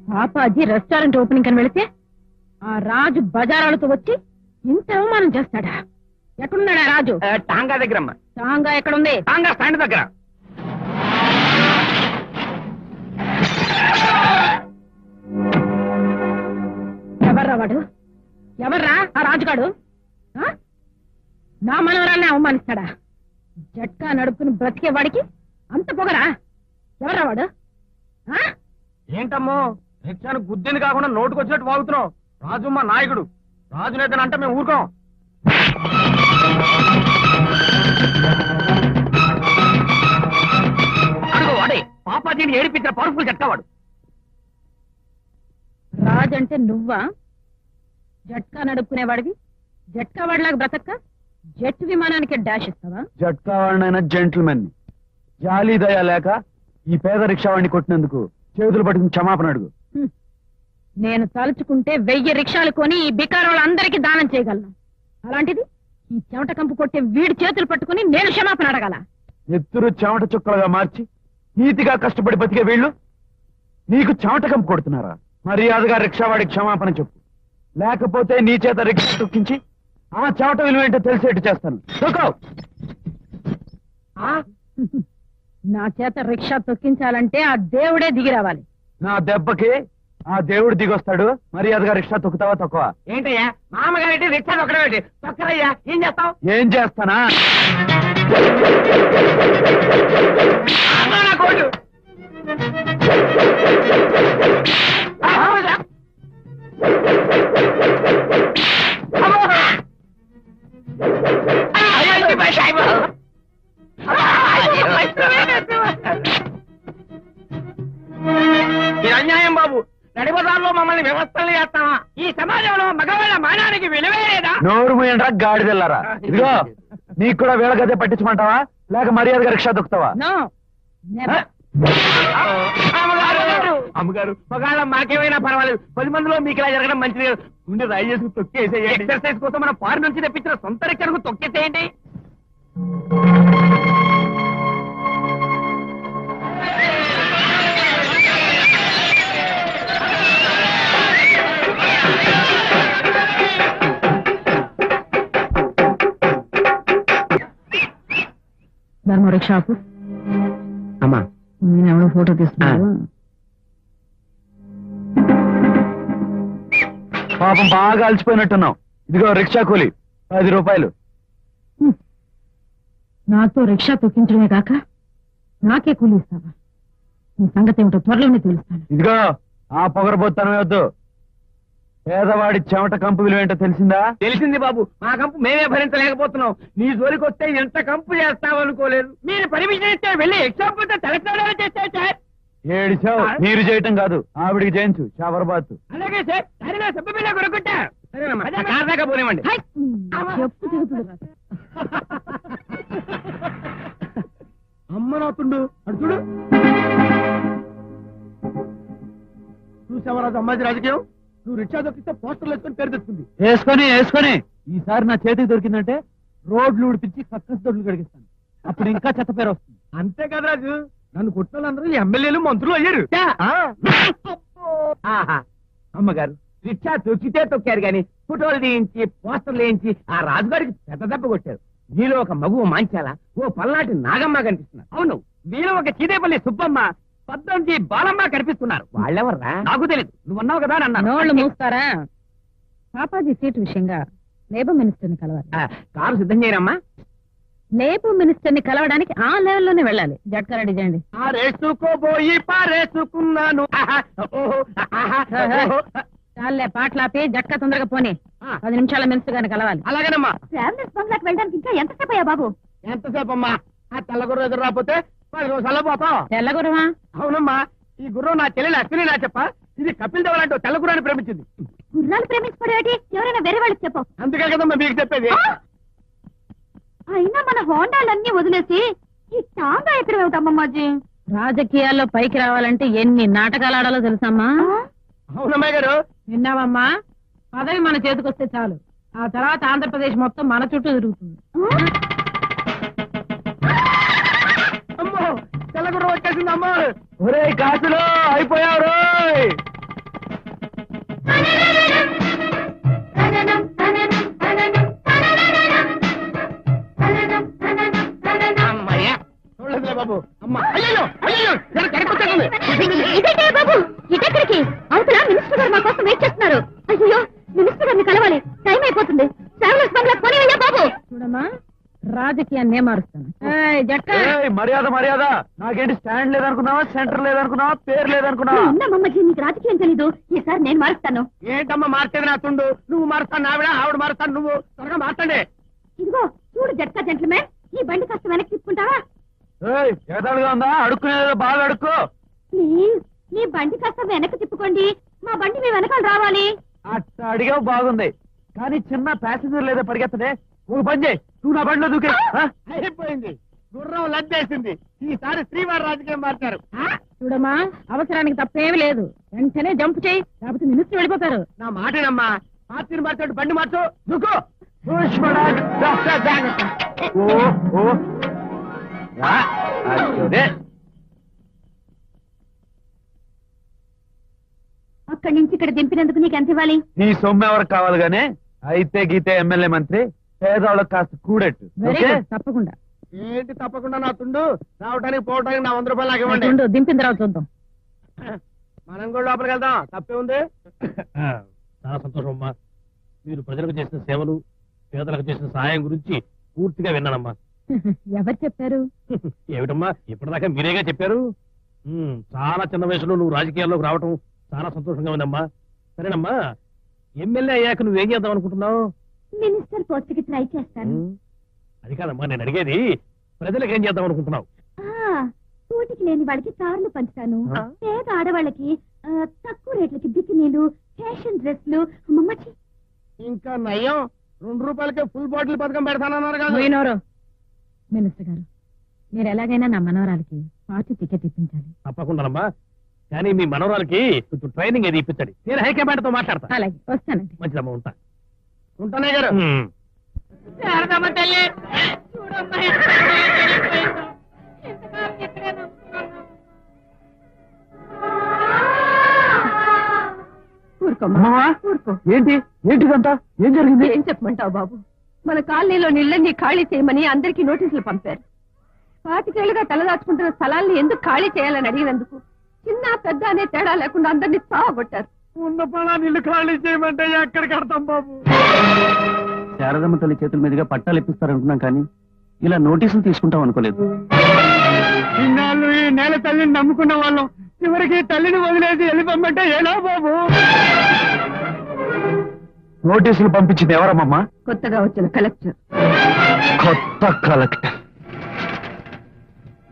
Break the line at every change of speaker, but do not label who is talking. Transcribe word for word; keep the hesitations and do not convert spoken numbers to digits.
పాపాజీ restaurant opening అని వెళితే ఆ రాజు బజారాలతో వచ్చి ఇంత అవమానం చేస్తాడా? ఎక్కడున్నాడా రాజు?
టాంగా దగ్గర.
టాంగా ఎక్కడుంది?
టాంగా స్టాండ్ దగ్గర.
ఎవర్రా వాడు? ఎవర్రా ఆ రాజుగాడు? నా మనవరాన్ని అవమానిస్తాడా? జట్కా నడుపుకుని బ్రతికే వాడికి అంత పొగరా? ఎవర్రా వాడు?
ఏంటమ్మో రిక్షాను గుద్దింది కాకుండా నోటుకు వచ్చినట్టు వాగుతున్నావు. రాజు మా నాయకుడు. రాజు నేతనంటే మేము ఊరుకోం. అడుగు వాడే పాపాజీని ఏడిపించిన పవర్ఫుల్ జట్కావాడు.
రాజంటే నువ్వా? జట్కా నడుపుకునేవాడివి జట్కా వాడిలాగా బ్రతక్క జెట్ విమానానికి డాష్ ఇస్తావా?
జట్కా వాడినైనా జెంటిల్మెన్ జాలీ దయా లేక ఈ పేద రిక్షా వాడిని కొట్టినందుకు చేతులు పట్టుకుని క్షమాపణ అడుగు.
నేను తలుచుకుంటే వెయ్యి రిక్షాలు కొని ఈ బికార్ వాళ్ళందరికీ దానం చేయగలను. అలాంటిది ఈ చెమట కంపు కొట్టే వీడి చేతులు పట్టుకుని నేను క్షమాపణ అడగాల?
ఎత్తురు చెమట చుక్కలుగా మార్చి నీతిగా కష్టపడి బతికే వీళ్ళు నీకు చెమట కంపు కొడుతున్నారా? మర్యాదగా రిక్షావాడికి క్షమాపణ చెప్పు, లేకపోతే నీ చేత రిక్షా తొక్కించి ఆ చెమట విలువ ఏంటో తెలిసేట్టు చేస్తాను.
నా చేత రిక్షా తొక్కించాలంటే ఆ దేవుడే దిగి రావాలి.
నా దెబ్బకి ఆ దేవుడు దిగొస్తాడు. మర్యాదగా రిక్షా తొక్కుతావా తక్కువ?
ఏంటయ్యా మామగారి రిక్షా తొక్కడమేంటి? తొక్కరయ్యా. ఏం చేస్తావు?
ఏం చేస్తానా?
కోటు ఇది అన్యాయం బాబు. నడిబజార్లో మమ్మల్ని వ్యవస్థలు చేస్తావా? ఈ సమాజంలో మగవాళ్ళ మానానికి విలువే లేదా?
నోరు మూయండ్రా గాడిదెల్లారా. ఇదిగో నీకు కూడా వేళ గదే పట్టించమంటావా లేక మర్యాదగా రిక్షా దొక్కుతావా?
అమ్మగారు మగాళ్ళ మాకేమైనా పర్వాలేదు. పది మందిలో మీకు ఇలా జరగడం మంచిది. ఉండి రాయి చేసుకు తొక్కేసేయండి. ఎక్సర్సైజ్ కోసం మన ఫారెన్ నుంచి తెప్పించిన సొంత రిక్షాకు తొక్కేసేయండి.
ధర్మ రిక్షాపు
అమ్మా
నేను ఎవరో ఫోటో తీసుకున్నాను.
పాపం బాగా అలసిపోయినట్టున్నావు. ఇదిగో రిక్షా కూలి పది రూపాయలు.
నాతో రిక్షా తొక్కించడమే కాక నాకే కూలి ఇస్తావా? నీ సంగతి ఏమిటో త్వరలోనే తెలుస్తాను.
ఇదిగో ఆ పొగరబోత్తనమే వద్దు. పేదవాడి చెమట కంపు విలువ ఏంటో తెలిసిందా?
తెలిసింది బాబు. మా కంపు మేమే భరించలేకపోతున్నాం. నీ జోలికి వస్తే ఎంత కంపు చేస్తామనుకోలేదు. మీరు పర్మిషన్ ఇస్తే వెళ్ళి ఎగ్జాంపుల్ తలెత్తాడని చేస్తే సార్.
ఏడిచావు. మీరు చేయటం కాదు, ఆవిడికి చేయించు షాబర్బాత్.
అలాగే సార్. సరేనా సబ్బు బిళ్ళ కొనుక్కుంటా. కార్ దాకా పోనివ్వండి.
చెప్పు దిగుతుంది.
అమ్మ నాతుండు అడు చూడు. చూసావరాజు అమ్మాజీ రాజకీయం. నువ్వు రిక్షా దొరికితే పోస్టర్లు వేసుకొని పేరు తెచ్చుకుంది.
వేసుకొని వేసుకొని ఈసారి నా చేతికి దొరికిందంటే రోడ్లు ఉడిపించి కక్కస్ దొడ్లు కడిగిస్తాను. అప్పుడు ఇంకా చెత్త పేరు వస్తుంది.
అంతే కదా రాజు. నన్ను కొట్టిన వాళ్ళందరూ ఎమ్మెల్యేలు మంత్రులు అయ్యారు. అమ్మగారు రిక్షా తొక్కితే తొక్కారు గాని ఫోటోలు తీయించి పోస్టర్లు వేయించి ఆ రాజుగారికి పెద్ద దెబ్బ కొట్టారు. మీలో ఒక మగువ మాంచాల, ఓ పల్నాటి నాగమ్మ కనిపిస్తున్నారు. అవును, మీలో ఒక చీదేపల్లి సుబ్బమ్మ, పద్దంజి బాలమ్మ కనిపిస్తున్నారు. వాళ్ళెవర్రా? నాకు తెలియదు. నువ్వు అన్నావు కదా అని అన్నాను.
నోళ్ళు మూస్తారా? పాపాజీ సీటు విషయంగా లేబర్ మినిస్టర్ ని కలవాలి.
కారు సిద్ధం చేయరమ్మా.
లేబర్ మినిస్టర్ ని కలవడానికి ఆ లెవెల్లోనే వెళ్ళాలి. జట్కా రెడీ చేయండి.
పారేసుకోబోయి పారేసుకున్నాను.
చాలే పాటలాపి జట్కా తొందరగా పోనీ. పది నిమిషాల మినిస్టర్ గారిని కలవాలి.
అలాగేనమ్మా.
ట్రావెలర్స్ బంగ్లాకి వెళ్ళడానికి ఇంకా ఎంతసేపు అయ్యా బాబు?
ఎంతసేపు అమ్మా? ఆ తెల్లగుర్ర ఎదురు రాకపోతే పది రోజుల్లో పోతాం.
తెల్లగురమా?
అవునమ్మా. ఈ గుర్రం నా చెల్లెలు అశ్విని నా చెప్ప. ఇది కపిల్ దేవ్ లాంటి తెల్ల గుర్రాన్ని ప్రేమించింది.
గుర్రాలు ప్రేమించుకోవడం ఎవరైనా వేరే వాళ్ళకి చెప్పు.
అందుకే కదమ్మా మీకు చెప్పేది.
అయినా మన హోండాలన్నీ వదిలేసి ఈ టాంగా ఎక్కడ వెళ్తామమ్మాజీ? రాజకీయాల్లో పైకి రావాలంటే ఎన్ని నాటకాలు ఆడాలో తెలుసమ్మా?
అవునమ్మాయి గారు.
విన్నావమ్మా? పదవి మన చేతికొస్తే చాలు, ఆ తర్వాత ఆంధ్రప్రదేశ్ మొత్తం మన చుట్టూ తిరుగుతుంది.
అమ్మో తెల్లగుర్రం వచ్చేసింది అమ్మా.
ఒరే కాసులో అయిపోయావు రోయ్.
నేను మారుస్తాను ఏయ్, జట్కా
ఏయ్, మర్యాద మర్యాద నాకేంటి స్టాండ్ లేదనుకున్నావా సెంటర్ లేదనుకున్నావా పేరు లేదనుకున్నావా
మమ్మకి నీకు రాజకీయం తెలీదు ఈసారి నేను మారుస్తాను
ఏంటమ్మా మార్చేది నా తుండు నువ్వు మారుస్తాను ఆవిడ ఆవిడ మారుస్తాను నువ్వు త్వరగా మార్చండి
ఇదిగో చూడు జట్కా జెంట్లమెన్ ఈ బండి కాస్త వెనక్కి తీసుకుంటావా
ఏయ్, ఎగతాళిగా ఉందా అడుక్కునేదో బాగా అడుక్కో
ప్లీజ్ మీ బండి కాస్త వెనక్కి తిప్పుకోండి మా బండి మీ వెనకాల రావాలి
అట్ట అడిగావు బాగుంది కానీ చిన్న ప్యాసింజర్ లేదా పరిగెత్తనే ఒక పని చేయి నువ్వు నా బండిలో దూకే ఆ?
అయిపోయింది గుర్రం లద్దేసింది ఈసారి శ్రీవారి రాజకీయం మార్చారు
చూడమ్మా అవసరానికి తప్పేమీ లేదు వెంటనే జంప్ చేయి లేకపోతే మినిస్టర్ వెళ్ళిపోతారు
నా మాటేనమ్మా పార్టీని మార్చాడు బండి మార్చు దుక్కు
పుష్పరాజ్, రా, రా, రా. ఓ ఓ రా, అదే.
అక్కడి నుంచి ఇక్కడ దింపినందుకు నీకు ఎంత ఇవ్వాలి
నీ సొమ్ము ఎవరికి కావాలి గానే అయితే గీతే ఎమ్మెల్యే మంత్రి పేదవాళ్ళకి కాస్త కూడెట్టు
వెరీ
ఓకే?
గుడ్ తప్పకుండా
ఏంటి తప్పకుండా నా తుండు రావడానికి పోవడానికి నా వంద రూపాయలు నాకు ఇవ్వండి
ఉండు, దింపిన తర్వాత చూద్దాం
మనం కూడా లోపలికి వెళ్దాం తప్పే ఉంది
చాలా సంతోషం అమ్మా మీరు ప్రజలకు చేసిన సేవలు పేదలకు చేసిన సహాయం గురించి పూర్తిగా విన్నానమ్మా
ఎవరు చెప్పారు
ఏమిటమ్మా ఇప్పటిదాకా మీరేగా చెప్పారు ఉమ్, చాలా చిన్న వయసులో నువ్వు రాజకీయాల్లోకి రావటం చాలా సంతోషంగా ఉందమ్మా సరేనమ్మా ఎమ్మెల్యే అయ్యాక నువ్వేం చేద్దాం అనుకుంటున్నావు
మినిస్టర్ పోస్ట్ కి ట్రై చేస్తాను
ఉమ్, అది కాదమ్మా నేను అడిగేది ప్రజలకు ఏం చేద్దాం అనుకుంటున్నావు
కూటికి లేని వాళ్ళకి కార్లు పంచుతాను
ఆ?
పేద ఆడవాళ్ళకి ఆ, తక్కువ రేట్లకి బికినీలు ఫ్యాషన్ డ్రెస్లు మమ్మచ్చి
ఇంకా నయ్యం రెండు రూపాయలకే ఫుల్ బాటిల్ పథకం పెడతానన్నారు కదా
పోయినోరు మినిస్టర్ గారు మీరు ఎలాగైనా నా మనవరాలకి పార్టీ టికెట్ ఇప్పించాలి
తప్పకుండానమ్మా కానీ మీ మనవరాలకి కొంచెం ట్రైనింగ్ ఏది ఇప్పించండి నేను హైకమాండ్ తో మాట్లాడతా
అలాగే వస్తానండి
మంచిదమ్మా ఉంటా
ఉంటానే గారు
ఉమ్.
శారదమ్మ తల్లి చూడమ్మా
అమ్మమ్మా, ఏంటి ఏంటిదంతా ఏం జరిగింది
ఏం చెప్పమంటావు బాబు మన కాలనీలో నీళ్ళని ఖాళీ చేయమని అందరికీ నోటీసులు పంపారు పాతికేళ్లుగా తలదాచుకుంటున్న స్థలాల్ని ఎందుకు ఖాళీ చేయాలని అడిగినందుకు చిన్న పెద్ద అనే తేడా లేకుండా అందరినీ సావగొట్టారు
ఉన్న పొలాన్ని ఇల్లు ఖాళీ చేయమంటే ఎక్కడ కడతాం బాబు
శారదమ్మ తల్లి చేతుల మీదుగా పట్టాలు ఇప్పిస్తారనుకున్నాం కానీ ఇలా నోటీసులు తీసుకుంటాం అనుకోలేదు
ఇన్నాళ్ళు ఈ నేల తల్లిని నమ్ముకున్న వాళ్ళం చివరికి తల్లిని వదిలేసి వెళ్ళిపోమంటే ఎలా బాబు
నోటీసులు పంపించింది ఎవరమ్మమ్మా
కొత్తగా వచ్చిన కలెక్టర్
కొత్త కలెక్టర్